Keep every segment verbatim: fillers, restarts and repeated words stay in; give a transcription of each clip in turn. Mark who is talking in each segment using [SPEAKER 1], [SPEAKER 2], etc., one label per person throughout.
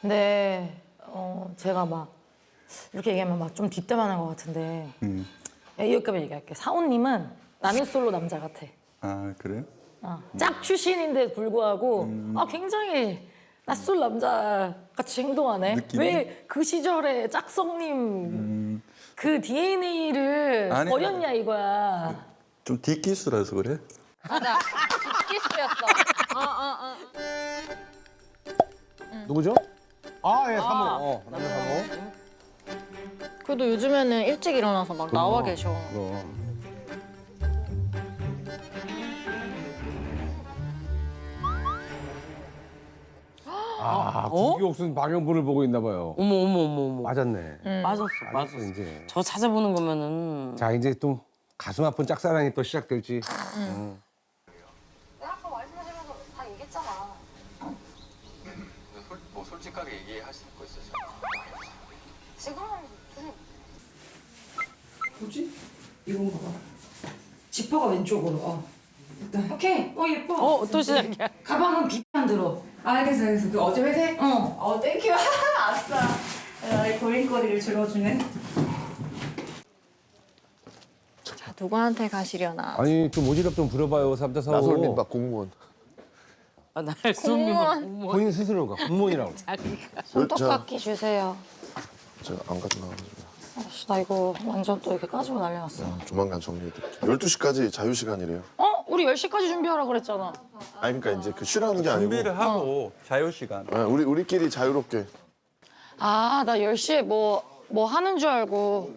[SPEAKER 1] 근데 어, 제가 막 이렇게 얘기하면 막 좀 뒷담화하는 것 같은데
[SPEAKER 2] 음.
[SPEAKER 1] 여기까지 얘기할게. 사오님은 나는 솔로 남자 같아.
[SPEAKER 2] 아 그래요?
[SPEAKER 1] 어, 짝 출신인데 불구하고
[SPEAKER 2] 음.
[SPEAKER 1] 아, 굉장히 낯설 남자 같이 행동하네.
[SPEAKER 2] 느낌이?
[SPEAKER 1] 왜 그 시절에 짝성님
[SPEAKER 2] 음.
[SPEAKER 1] 그 디엔에이를
[SPEAKER 2] 아니,
[SPEAKER 1] 버렸냐 이거야.
[SPEAKER 2] 좀 뒷기수라서 그래?
[SPEAKER 3] 맞아. 키스였어. 어, 어, 어.
[SPEAKER 4] 누구죠? 아, 예, 사모. 어, 남자 사모.
[SPEAKER 3] 그래도 요즘에는 일찍 일어나서 막 나와 계셔.
[SPEAKER 4] 그럼. 아, 국기옥순 방영분을 보고 있나 봐요.
[SPEAKER 5] 어머 어머 어머 어머.
[SPEAKER 4] 맞았네.
[SPEAKER 5] 맞았어
[SPEAKER 4] 맞았어,
[SPEAKER 5] 맞았어.
[SPEAKER 4] 이제.
[SPEAKER 5] 저 찾아보는 거면은
[SPEAKER 4] 자, 이제 또 가슴 아픈 짝사랑이 또 시작될지. 음.
[SPEAKER 6] 아까 말씀하시면서 다 얘기했잖아.
[SPEAKER 7] 솔, 뭐 솔직하게 얘기하실 거 있으세요?
[SPEAKER 6] 지금은 무슨
[SPEAKER 1] 뭐지? 이건 봐봐. 지퍼가 왼쪽으로. 어. 일단 오케이. 어 예뻐.
[SPEAKER 5] 어 또 시작이야.
[SPEAKER 1] 가방은 비만 들어.
[SPEAKER 8] 알겠어, 알겠어. 그 어제 회색?
[SPEAKER 1] 어.
[SPEAKER 8] 어, 땡큐. 아싸. 나의 고민거리를 줄여주는.
[SPEAKER 3] 자, 누구한테 가시려나?
[SPEAKER 4] 아니, 좀 오지랖 좀 부려봐요, 삼자 사오.
[SPEAKER 9] 나솔민 막 공무원.
[SPEAKER 5] 아, 날 쏘미 막 공무원.
[SPEAKER 4] 본인 스스로가 공무원이라고.
[SPEAKER 1] 손톱깎이 주세요.
[SPEAKER 9] 제가 안 가져나가가지고
[SPEAKER 1] 아씨, 나 이거 완전 또 이렇게 까지고 난리 났어.
[SPEAKER 9] 조만간 정리해드릴게요. 열두 시까지 자유시간이래요.
[SPEAKER 1] 어? 우리 열 시까지 준비하라 그랬잖아.
[SPEAKER 9] 아니 그러니까 이제 그 쉬라는 게 아니고
[SPEAKER 2] 준비를 하고 자유 시간.
[SPEAKER 9] 아, 우리 우리끼리 자유롭게.
[SPEAKER 1] 아, 나 열 시에 뭐, 뭐 하는 줄 알고.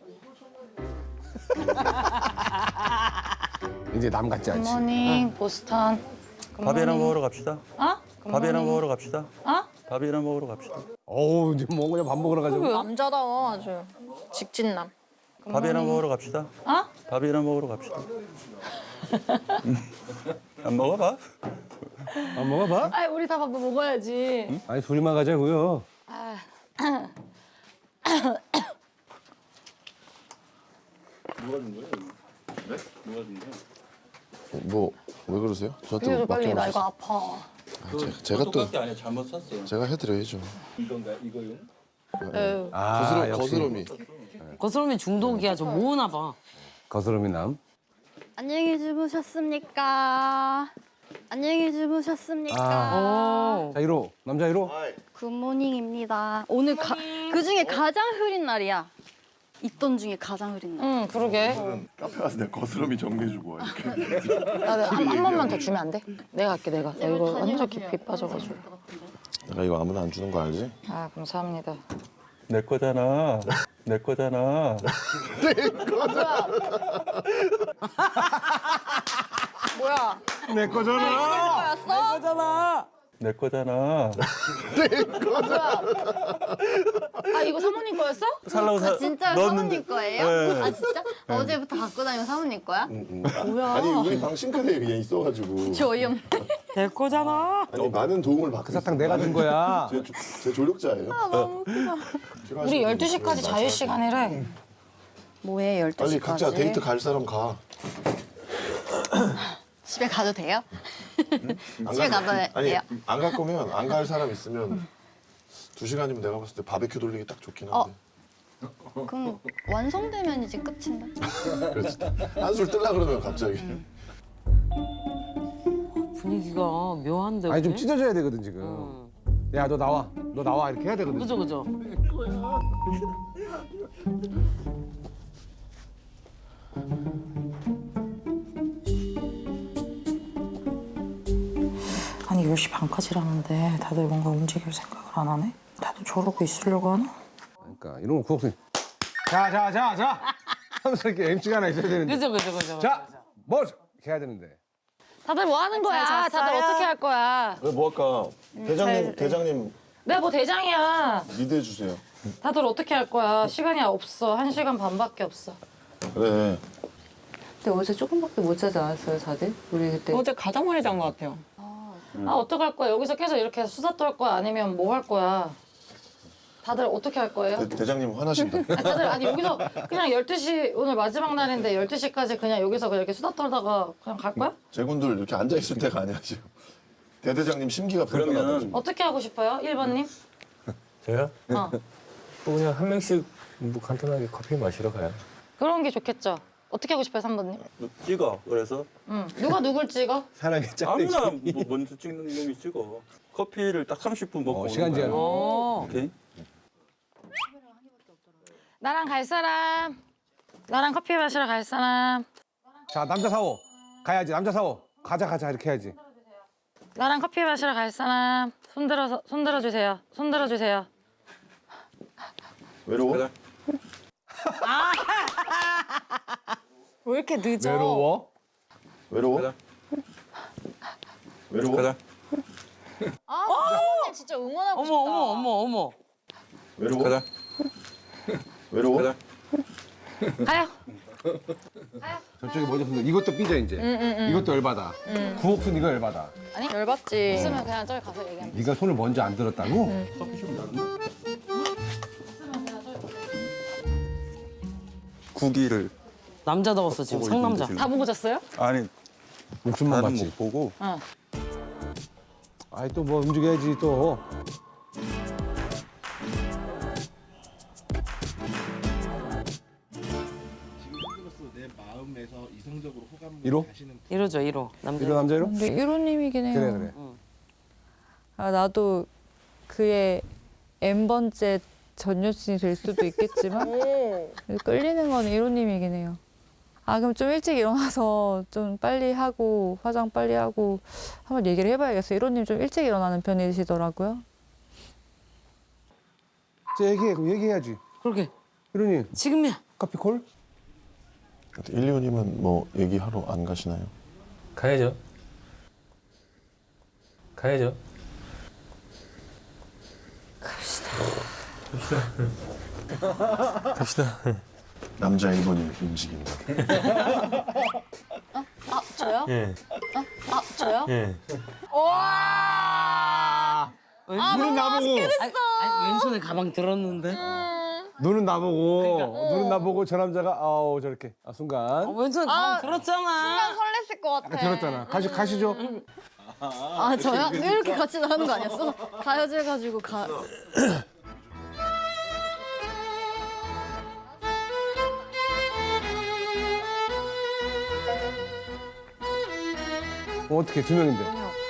[SPEAKER 4] 이제 남 같지 않지.
[SPEAKER 1] 굿모닝, 보스턴.
[SPEAKER 2] 밥이나 먹으러 갑시다.
[SPEAKER 1] 어?
[SPEAKER 2] 밥이나 먹으러 갑시다.
[SPEAKER 1] 어?
[SPEAKER 2] 밥이나 먹으러 갑시다.
[SPEAKER 4] 어우, 이제 뭐 그냥 밥 먹으러 가자고.
[SPEAKER 3] 남자다워 아주. 직진남.
[SPEAKER 2] 밥이나 먹으러 갑시다.
[SPEAKER 1] 어?
[SPEAKER 2] 밥이나 먹으러 갑시다. 음. 안 먹어 밥?
[SPEAKER 4] 안 먹어봐?
[SPEAKER 1] 아이, 우리 다 밥도 먹어야지.
[SPEAKER 4] 아니, 둘이만 가자고요.
[SPEAKER 9] 뭐 왜 그러세요? 저한테
[SPEAKER 1] 비켜줘, 빨리. 나 이거
[SPEAKER 9] 맡겨놓으셨어요.
[SPEAKER 1] 아파.
[SPEAKER 9] 아, 제가, 제가 또
[SPEAKER 2] 똑같게 아니야 잘못 샀어.
[SPEAKER 9] 제가 해드려야죠.
[SPEAKER 2] 이건가 이거용?
[SPEAKER 1] 에휴.
[SPEAKER 4] 아,
[SPEAKER 9] 거스러,
[SPEAKER 4] 역시
[SPEAKER 9] 거스러미.
[SPEAKER 5] 거스름이 중독이야. 저 모으나 봐.
[SPEAKER 4] 거스름이 남.
[SPEAKER 10] 안녕히 주무셨습니까? 안녕히 주무셨습니까?
[SPEAKER 5] 어.
[SPEAKER 4] 자, 일 호. 남자 일 호.
[SPEAKER 10] 굿모닝입니다. 오늘 가, 그 중에 가장 흐린 날이야. 있던 중에 가장 흐린 날.
[SPEAKER 1] 응, 그러게.
[SPEAKER 9] 카페 가서 내가 거스러미 정리해주고 와 이렇게.
[SPEAKER 1] 나 한, 한 번만 더 주면 안 돼? 내가 할게, 내가. 나 이거 완전 깊이 빠져가지고.
[SPEAKER 9] 내가 이거 아무나 안 주는 거 알지?
[SPEAKER 1] 아, 감사합니다.
[SPEAKER 2] 내 거잖아. 내 거잖아.
[SPEAKER 3] 뭐야?
[SPEAKER 4] 내 거잖아.
[SPEAKER 5] 거잖아.
[SPEAKER 2] 내 거잖아.
[SPEAKER 1] 아, 이거 사모님 거였어?
[SPEAKER 2] 살라고 사.
[SPEAKER 10] 진짜
[SPEAKER 2] 넣었는데.
[SPEAKER 10] 사모님 거예요?
[SPEAKER 2] 네.
[SPEAKER 10] 아 진짜? 어제부터 갖고 다니는 사모님 거야?
[SPEAKER 9] 뭐야? 아니 우리 방 싱크대에 그냥 있어가지고.
[SPEAKER 10] 저 어이없네.
[SPEAKER 5] 내 거잖아.
[SPEAKER 9] 아니 많은 도움을 받고.
[SPEAKER 4] 그 사탕 내가 준 거야.
[SPEAKER 9] 제, 조- 제 조력자예요.
[SPEAKER 1] 우리 열두 시까지 자유시간이래.
[SPEAKER 10] 뭐해 열두
[SPEAKER 9] 빨리
[SPEAKER 10] 시까지?
[SPEAKER 9] 각자 데이트 갈 사람 가.
[SPEAKER 10] 집에 가도 돼요?
[SPEAKER 9] 안
[SPEAKER 10] 집에
[SPEAKER 9] 갈-
[SPEAKER 10] 가도
[SPEAKER 9] 아니
[SPEAKER 10] 돼요?
[SPEAKER 9] 안 갈 거면 안 갈 사람 있으면 두 시간이면 내가 봤을 때 바베큐 돌리기 딱 좋긴 한데.
[SPEAKER 10] 그럼 완성되면 이제 끝인데.
[SPEAKER 9] 그래서 한술 뜰라 그러면 갑자기.
[SPEAKER 5] 분위기가 묘한데.
[SPEAKER 4] 아니, 좀
[SPEAKER 5] 오늘?
[SPEAKER 4] 찢어져야 되거든, 지금.
[SPEAKER 5] 응.
[SPEAKER 4] 야, 너 나와. 너 나와. 이렇게 해야 되거든.
[SPEAKER 5] 그죠 그죠.
[SPEAKER 1] 아니, 열 시 반까지라는데 다들 뭔가 움직일 생각을 안 하네? 다들 저러고 있으려고 하나?
[SPEAKER 4] 그러니까 이런 거 구옥순. 자, 자, 자, 자. 하면서 이렇게 엠씨가 하나 있어야 되는데.
[SPEAKER 5] 그죠 그죠 그죠.
[SPEAKER 4] 자, 뭐 이렇게 해야 되는데.
[SPEAKER 1] 다들 뭐 하는 거야? 다들 어떻게 할 거야?
[SPEAKER 9] 왜 뭐 할까? 대장님 대장님
[SPEAKER 1] 내가 뭐 대장이야.
[SPEAKER 9] 리드해 주세요.
[SPEAKER 1] 다들 어떻게 할 거야? 시간이 없어. 한 시간 반밖에 없어.
[SPEAKER 9] 그래.
[SPEAKER 8] 근데 어제 조금밖에 못 자지 않았어요, 다들? 우리 그때.
[SPEAKER 3] 어제 가장 많이 잔 것 같아요.
[SPEAKER 1] 아, 어떡할 거야? 여기서 계속 이렇게 수다 떨 거야? 아니면 뭐 할 거야? 다들 어떻게 할 거예요?
[SPEAKER 9] 대, 대장님 화나신다.
[SPEAKER 1] 아니, 다들 아니 여기서 그냥 열두 시 오늘 마지막 날인데 열두 시까지 그냥 여기서 그냥 이렇게 수다 떨다가 그냥 갈 거야?
[SPEAKER 9] 제군들 이렇게 앉아 있을 때가 아니야 지금. 대대장님 심기가 불편하다.
[SPEAKER 2] 그러면
[SPEAKER 9] 지금.
[SPEAKER 1] 어떻게 하고 싶어요? 일 번님?
[SPEAKER 11] 저요?
[SPEAKER 1] 어.
[SPEAKER 11] 또 그냥 한 명씩 뭐 간단하게 커피 마시러 가요.
[SPEAKER 1] 그런 게 좋겠죠. 어떻게 하고 싶어요, 삼 번님?
[SPEAKER 2] 찍어. 그래서
[SPEAKER 1] 응. 누가 누굴 찍어?
[SPEAKER 4] 사랑의 짝대기.
[SPEAKER 2] 아무나 뭐 먼저 찍는 놈이 찍어. 커피를 딱 삼십 분 먹고
[SPEAKER 4] 어,
[SPEAKER 2] 오는
[SPEAKER 4] 시간 제한.
[SPEAKER 2] 거야.
[SPEAKER 5] 어.
[SPEAKER 2] 오케이.
[SPEAKER 1] 나랑 갈 사람. 나랑 커피 마시러 갈 사람.
[SPEAKER 4] 자, 남자 사오. 가야지, 남자 사오. 가자, 가자, 이렇게 해야지.
[SPEAKER 1] 나랑 커피 마시러 갈 사람. 손 들어서 손 들어 주세요. 손 들어 주세요.
[SPEAKER 9] 외로워?
[SPEAKER 2] 가자.
[SPEAKER 3] 왜 이렇게 늦어?
[SPEAKER 4] 외로워?
[SPEAKER 9] 외로워?
[SPEAKER 2] 가자.
[SPEAKER 9] 외로워?
[SPEAKER 2] 가자.
[SPEAKER 3] 아, 사모님 진짜 응원하고
[SPEAKER 5] 어머
[SPEAKER 3] 싶다.
[SPEAKER 5] 어머 어머 어머.
[SPEAKER 9] 외로워?
[SPEAKER 2] 가자.
[SPEAKER 9] 외로워?
[SPEAKER 2] 가자.
[SPEAKER 1] 가요.
[SPEAKER 4] 저쪽에 먼저 손들. 이것도 삐져 이제. 이것도 열받아. 구옥순 이거 열받아.
[SPEAKER 3] 아니 열받지.
[SPEAKER 1] 있으면 그냥 저기 가서 얘기하면 돼.
[SPEAKER 4] 네가 손을 먼저 안 들었다고?
[SPEAKER 2] 구기를
[SPEAKER 5] 남자다웠어 지금
[SPEAKER 2] 보고
[SPEAKER 5] 상남자.
[SPEAKER 2] 있는데,
[SPEAKER 1] 다 보고 잤어요?
[SPEAKER 2] 아니
[SPEAKER 4] 목숨만
[SPEAKER 2] 나는
[SPEAKER 4] 봤지.
[SPEAKER 2] 못 보고
[SPEAKER 1] 어.
[SPEAKER 4] 아이 또 뭐 움직여야지 또. 이로?
[SPEAKER 5] 이러죠 이러. 남자.
[SPEAKER 4] 이로 남자 이로?
[SPEAKER 3] 근데 일호님이긴 해요.
[SPEAKER 4] 그래 그래.
[SPEAKER 3] 아, 나도 그의 N번째 전 여친이 될 수도 있겠지만 끌리는 건 일호님이긴 해요. 아 그럼 좀 일찍 일어나서 좀 빨리 하고 화장 빨리 하고 한번 얘기를 해봐야겠어요. 일호님 좀 일찍 일어나는 편이시더라고요.
[SPEAKER 4] 자 얘기해 그럼 얘기해야지.
[SPEAKER 5] 그러게.
[SPEAKER 4] 이로님
[SPEAKER 5] 지금이야.
[SPEAKER 4] 커피 콜?
[SPEAKER 9] 일리오님은 뭐 얘기하러 안 가시나요?
[SPEAKER 11] 가야죠. 가야죠. 갑시다.
[SPEAKER 9] 남자 일 번이 움직인다.
[SPEAKER 1] 아 저요?
[SPEAKER 11] 예.
[SPEAKER 1] 아 저요?
[SPEAKER 11] 예.
[SPEAKER 4] 눈은 나보고.
[SPEAKER 5] 아니, 아니, 왼손에 가방 들었는데.
[SPEAKER 4] 눈은 나보고. 눈은 나보고 저 남자가 아우 저렇게. 아 순간.
[SPEAKER 5] 어, 왼손에 가방 들었잖아.
[SPEAKER 3] 설렜을 것 같아.
[SPEAKER 4] 아까 들었잖아. 가시 가시죠.
[SPEAKER 10] 아 저요? 이렇게 같이 나가는 거 아니었어? 가야지해가지고 가.
[SPEAKER 4] 어, 어떻게 두 명인데?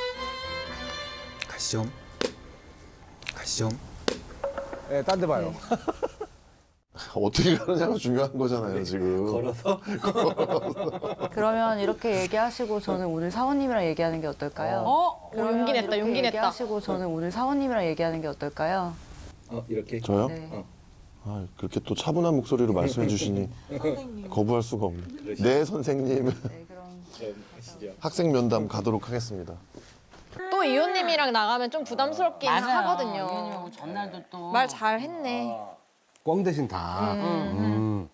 [SPEAKER 2] 가시죠. 가시죠.
[SPEAKER 4] 예, 딴 데 봐요.
[SPEAKER 9] 어떻게 가느냐가 중요한 거잖아요 지금.
[SPEAKER 2] 걸어서?
[SPEAKER 3] 그러면 이렇게 얘기하시고 저는 오늘 사원님이랑 얘기하는 게 어떨까요?
[SPEAKER 5] 어?
[SPEAKER 3] 그러면
[SPEAKER 1] 용기 냈다,
[SPEAKER 3] 이렇게
[SPEAKER 1] 용기 냈다.
[SPEAKER 3] 얘기하시고 저는 오늘 사원님이랑 얘기하는 게 어떨까요?
[SPEAKER 2] 어 이렇게.
[SPEAKER 9] 저요?
[SPEAKER 3] 네.
[SPEAKER 9] 아, 그렇게 또 차분한 목소리로 말씀해 주시니 거부할 수가 없네. 네 선생님.
[SPEAKER 3] 네, 그럼.
[SPEAKER 9] 학생 면담 가도록 하겠습니다.
[SPEAKER 3] 또 이호님이랑 나가면 좀 부담스럽긴 하거든요.
[SPEAKER 5] 이현이하고 전날도 또.
[SPEAKER 3] 말 잘했네.
[SPEAKER 4] 꽝 대신 다. 음.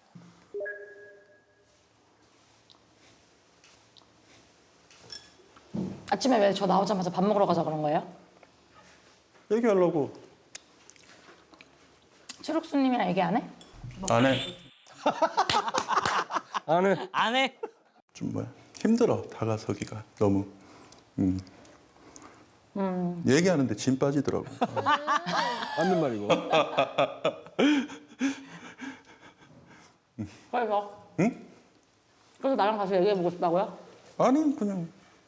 [SPEAKER 1] 아침에 왜 저 나오자마자 밥 먹으러 가자 그런 거예요?
[SPEAKER 2] 얘기하려고.
[SPEAKER 1] 최록수님이랑 얘기 안 해?
[SPEAKER 2] 안 해.
[SPEAKER 4] 안 해.
[SPEAKER 5] 안 해.
[SPEAKER 2] 좀 뭐야 힘들어 다가서기가 너무. 음. 얘기하는데 진 빠지더라고.
[SPEAKER 4] 맞는 말이고.
[SPEAKER 1] 그래서?
[SPEAKER 2] 응?
[SPEAKER 1] 그래서 나랑 가서 얘기해보고 싶다고요?
[SPEAKER 2] 아니 그냥.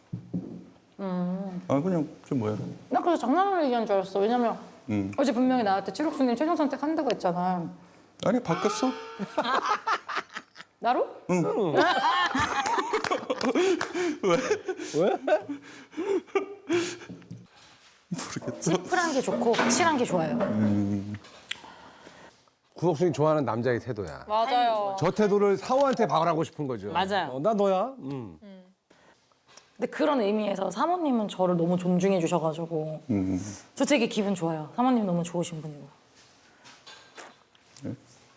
[SPEAKER 2] 아 그냥 좀 뭐야.
[SPEAKER 1] 나 그래서 장난으로 얘기한 줄 알았어. 왜냐면
[SPEAKER 2] 음.
[SPEAKER 1] 어제 분명히 나한테 최록수님 최종 선택한다고 했잖아.
[SPEAKER 2] 아니 바뀌었어.
[SPEAKER 1] 나로?
[SPEAKER 2] 응. 왜?
[SPEAKER 4] 왜?
[SPEAKER 2] 모르겠어.
[SPEAKER 1] 심플한 게 좋고 확실한 게 좋아요.
[SPEAKER 4] 구석순이 좋아하는 남자의 태도야.
[SPEAKER 3] 맞아요.
[SPEAKER 4] 저 태도를 사오한테 박으라고 싶은 거죠.
[SPEAKER 5] 맞아요.
[SPEAKER 4] 어, 나 너야. 음.
[SPEAKER 1] 근데 그런 의미에서 사모님은 저를 너무 존중해 주셔가지고
[SPEAKER 2] 음.
[SPEAKER 1] 저 되게 기분 좋아요. 사모님 너무 좋으신 분이고.
[SPEAKER 2] 네?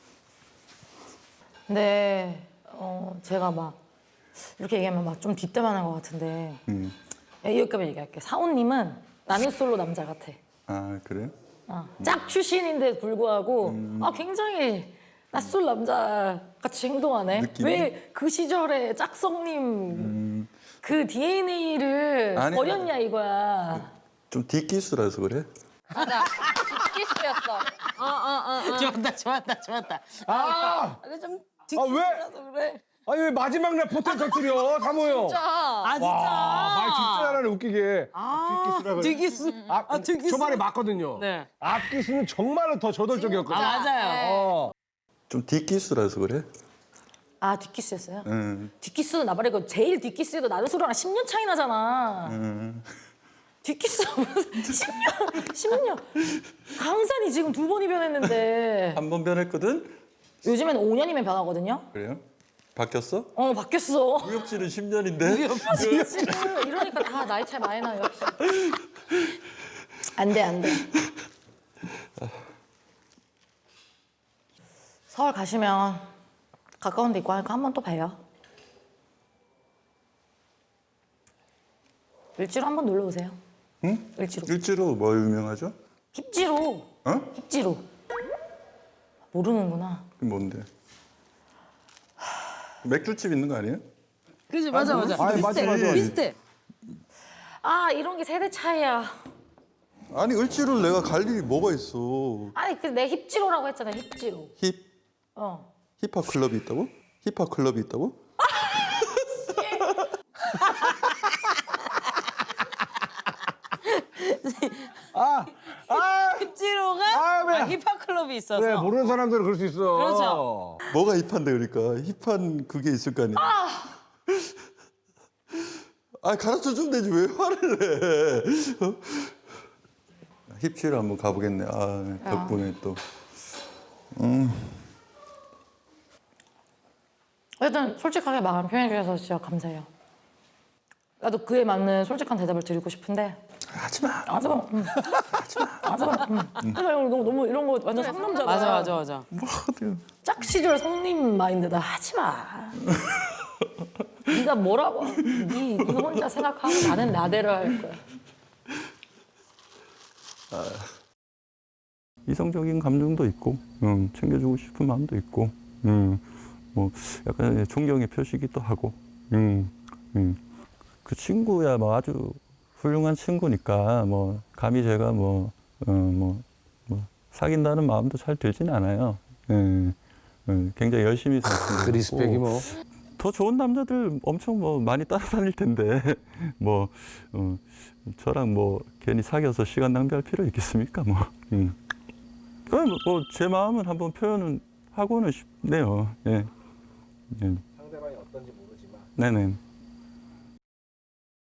[SPEAKER 1] 근데 어, 제가 막 이렇게 얘기하면 막 좀 뒷담화하는 것 같은데
[SPEAKER 2] 음.
[SPEAKER 1] 여기까지 얘기할게. 사모님은 나는 솔로 남자 같아.
[SPEAKER 2] 아 그래?
[SPEAKER 1] 어, 짝 출신인데 불구하고 아, 굉장히 낯설 남자 같이 행동하네.
[SPEAKER 2] 느낌이?
[SPEAKER 1] 왜 그 시절에 짝성님 그 디엔에이를
[SPEAKER 2] 아니,
[SPEAKER 1] 버렸냐 이거야.
[SPEAKER 2] 좀 뒷기수라서 그래?
[SPEAKER 1] 맞아. 뒷키스였어.
[SPEAKER 5] 좋았다, 좋았다, 좋았다.
[SPEAKER 4] 아,
[SPEAKER 5] 이거 좀
[SPEAKER 4] 아 왜?
[SPEAKER 5] 그래.
[SPEAKER 4] 아니 왜 마지막 날 포텐 터뜨려 사모요?
[SPEAKER 5] 아, 진짜.
[SPEAKER 4] 와, 말 진짜 잘하네 웃기게.
[SPEAKER 5] 아, 뒷키스.
[SPEAKER 4] 아,
[SPEAKER 5] 아, 뒷키스.
[SPEAKER 4] 초반에 맞거든요.
[SPEAKER 5] 네.
[SPEAKER 4] 앞기스는 정말로 더 저돌적이었거든.
[SPEAKER 5] 아, 맞아요.
[SPEAKER 4] 어.
[SPEAKER 2] 좀 뒷기수라서 그래.
[SPEAKER 8] 아 뒷키스였어요?
[SPEAKER 2] 응.
[SPEAKER 8] 뒷키스는 나 말이고 제일 뒷키스도 나는 소리랑 십 년 차이 나잖아.
[SPEAKER 2] 응.
[SPEAKER 8] 뒷키스가 무슨 십 년, 십 년. 강산이 지금 두 번이 변했는데
[SPEAKER 2] 한 번 변했거든.
[SPEAKER 8] 요즘엔 오 년이면 변하거든요.
[SPEAKER 2] 그래요? 바뀌었어?
[SPEAKER 8] 어 바뀌었어.
[SPEAKER 2] 무협지는 십 년인데.
[SPEAKER 8] 지금 이러니까 다 나이 차이 많이 나요. 역시. 안 돼, 안 돼. 서울 가시면 가까운 데 있고 하니까 한 번 또 봬요. 을지로 한 번 놀러 오세요.
[SPEAKER 2] 응?
[SPEAKER 8] 을지로.
[SPEAKER 2] 일지로 뭐 유명하죠?
[SPEAKER 8] 힙지로.
[SPEAKER 2] 어?
[SPEAKER 8] 힙지로. 모르는구나.
[SPEAKER 2] 그게 뭔데? 맥주집 있는 거 아니에요?
[SPEAKER 5] 그지, 맞아, 맞아.
[SPEAKER 4] 아, 맞아, 맞아.
[SPEAKER 5] 비슷해.
[SPEAKER 8] 아 이런 게 세대 차이야.
[SPEAKER 2] 아니 을지로를 내가 갈 일이 뭐가 있어?
[SPEAKER 8] 아니 그 내 힙지로라고 했잖아. 힙지로.
[SPEAKER 2] 힙
[SPEAKER 8] 어.
[SPEAKER 2] 힙합 클럽이 있다고? 힙합 클럽이 있다고?
[SPEAKER 4] 아, 아,
[SPEAKER 5] 힙지로가
[SPEAKER 4] 아, 왜?
[SPEAKER 5] 아, 힙합 클럽이 있어서.
[SPEAKER 4] 그래 모르는 사람들은 그럴 수 있어.
[SPEAKER 5] 그렇죠.
[SPEAKER 2] 뭐가 힙한데 그러니까 힙한 그게 있을 거 아니야? 아 가르쳐 주면 되지 왜 화를 내? 어? 힙치로 한번 가보겠네. 아 덕분에 또. 음.
[SPEAKER 8] 일단 솔직하게 마음 표현해 주셔서 진짜 감사해요. 나도 그에 맞는 솔직한 대답을 드리고 싶은데
[SPEAKER 2] 하지 마.
[SPEAKER 8] 하지 마. 응. 하지 마. 하지 마. 응. 하지 마. 너무, 너무 이런 거 완전 상남자다.
[SPEAKER 5] 맞아, 맞아, 맞아.
[SPEAKER 2] 뭐 하든.
[SPEAKER 8] 짝 시절 성님 마인드다. 하지 마. 네가 뭐라고? 네, 네 혼자 생각하고 나는 나대로 할 거야.
[SPEAKER 2] 이성적인 감정도 있고, 음, 챙겨주고 싶은 마음도 있고, 음, 뭐 약간 존경의 표시기도 하고, 음, 음. 그 친구야 뭐 아주 훌륭한 친구니까 뭐 감히 제가 뭐, 어, 뭐, 뭐 사귄다는 마음도 잘 들진 않아요. 음, 음, 굉장히 열심히 산 친구고.
[SPEAKER 4] 그 리스펙이 뭐.
[SPEAKER 2] 더 좋은 남자들 엄청 뭐 많이 따라다닐 텐데 뭐 어, 저랑 뭐 괜히 사귀어서 시간 낭비할 필요 있겠습니까 뭐. 음. 그럼 뭐 제 마음은 한번 표현은 하고는 싶네요. 예. 예.
[SPEAKER 4] 상대방이 어떤지 모르지만.
[SPEAKER 2] 네네.